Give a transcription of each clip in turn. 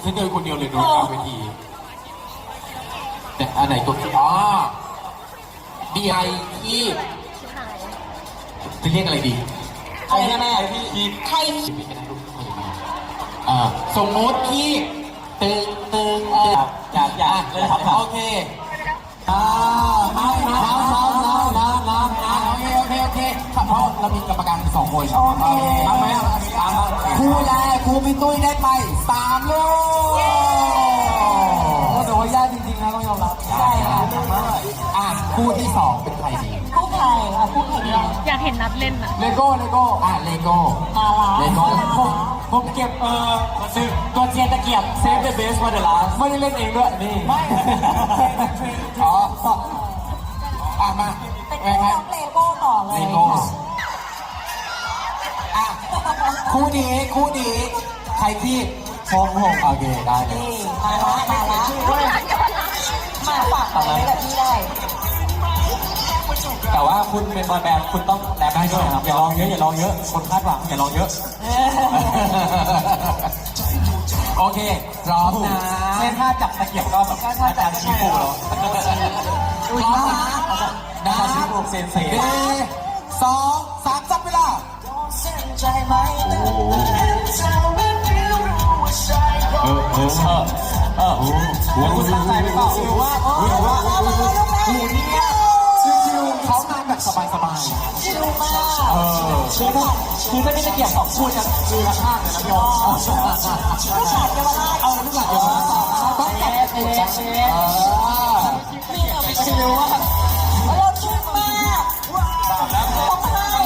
ฉันเดินคนเดียวเลยโดนกลางเวทีแต่อันไหนตัวที่ดีไอที่จะเรียกอะไรดีอะไรนะแม่ใครสมมติที่ตึงอยากเลยครับโอเคน้ำโอเคเพราะเรามีกรรมการ2 คนโอเคทำไหมครูแรกครูพี่ตุ้ยได้ไป3 ลูกแต่ว่ายากจริงๆนะต้องยอมรับใช่ค่ะคู่ที่2เป็นใครดีคู่ใครคู่ใครดีอยากเห็นนัดเล่นอะเลโก้มาละเลโก้ผมเก็บตัวเจียนตะเกียบเซฟเดอะเบสมาเดอะลาสไม่ได้เล่นเองด้วยนี่ไม่มาเป็นน้องเลโก้ต่อเลยเลโก้คู่นี้ใครที่พงโอเคได้เลยมาละมาฝากต่อเลยแบบนี้ได้แต่ว่าคุณเป็นบอยแบนด์คุณต้องแรปได้ด้วยครับอย่าลองเยอะคนคาดหวังอย่าลองเยอะโอเคพร้อมนะเช่นถ้าจับตะเกียบก็แบบอาจารย์ชี้ปูเหรอพร้อมนะชี้ปูเซนเซ่2 3จับเวลาคุณตั้งใจไปเปล่าหรือว่าคู่นี้ชิวๆเขามาแบบสบายๆชิวมากคือไม่ได้ตะเกียบ2 คู่จะมือละข้างเลยนะพี่อ๋ลูกหลานเยาวราชลูกหลานเยาวราชต้องจับตัวชิวมากเราชิวมากต้องให้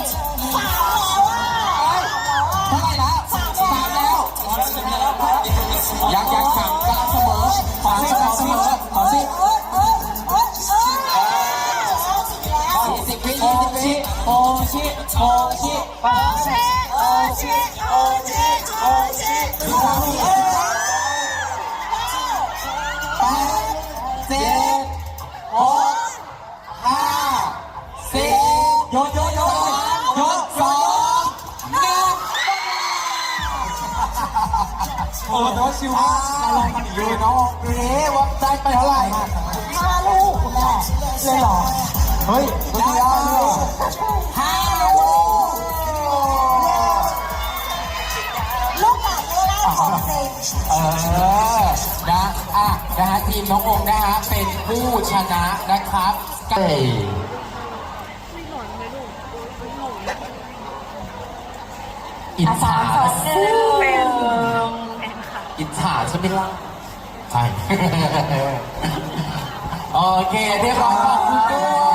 เท่าไหร่แล้ว3 แล้วยัง3 กำลังเสมอขอสิ20 วิโอชิยก2 1โอ้โหชิวมากเราลองกันอยู่น้องดูดิว่าได้ไปเท่าไหร่ 5 ลูกแม่เลยหรอเฮ้ยได้ 5 ลูกลูกหลานเยาวราชของจริงนะฮะทีมน้ององค์นะฮะเป็นผู้ชนะนะครับอิจฉาอิจฉาใช่ไหมล่ะใช่โอเคเรียบร้อยขอบคุณด้วย